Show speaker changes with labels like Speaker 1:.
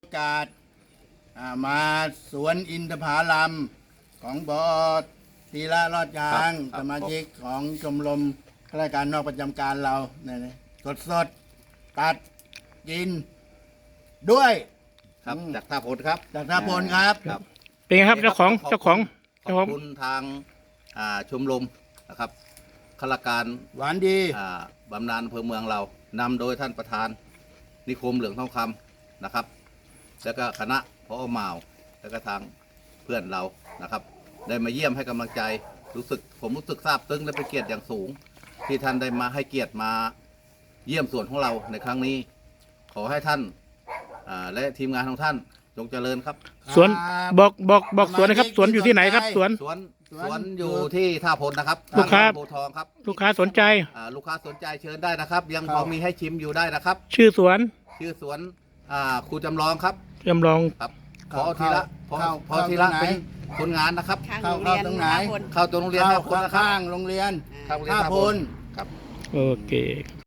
Speaker 1: กาสมาสวนอินทผลัมของบอธีระรอดยางสมาชิกของชมรมข้าราชการนอกประจำการเราเนี่ยสดตัดกินด้วย
Speaker 2: ครับจากท่าพลครับ
Speaker 1: จากท่าพลครับ
Speaker 2: ครับ
Speaker 3: เป็นไงครับเจ้าของ
Speaker 2: ขอบคุณทางชมรมนะครับข้าราชการ
Speaker 1: หวานดี
Speaker 2: บำนาญอำเภอเมืองเรานำโดยท่านประธานนิคมเหลืองทองคำนะครับ แล้วก็คณะพอเหมาแล้วก็ทางเพื่อนเรานะครับ ได้มาเยี่ยมให้กำลังใจผมรู้สึกซาบซึ้งและเป็นเกียรติอย่างสูง ที่ท่านได้มาให้เกียรติมาเยี่ยมสวนของเราในครั้งนี้ ขอให้ท่านและทีมงานของท่านจงเจริญครับ
Speaker 3: สวนบอกสวนนะครับสวนอยู่ที่ไหนครับสวน
Speaker 2: สวนอยู่ที่ท่าพลนะครับ
Speaker 3: ลูกค้า
Speaker 2: โพทองครับ
Speaker 3: ลูกค้าสนใจ
Speaker 2: ลูกค้าสนใจเชิญได้นะครับ ยังพอมีให้ชิมอยู่ได้นะครับ
Speaker 3: ชื่อสวน
Speaker 2: ชื่อสวนครูจำลองครับ
Speaker 3: จำลอง
Speaker 2: ครับพอทีละพอทีละเป็นคนงานนะครับ
Speaker 4: ข้าง
Speaker 1: เข้า
Speaker 4: โรงเรียน
Speaker 1: ตรงไหน
Speaker 4: ท่าพล
Speaker 2: เข้าตัวโรงเรียน
Speaker 1: เข้า
Speaker 2: ท่าพลนะครับ
Speaker 1: ข้างโรงเรียน
Speaker 2: ข้างโรงเรียน
Speaker 1: ท่า
Speaker 2: ท่า
Speaker 1: พ
Speaker 2: พ
Speaker 1: ล
Speaker 2: ลครับ
Speaker 3: โอเค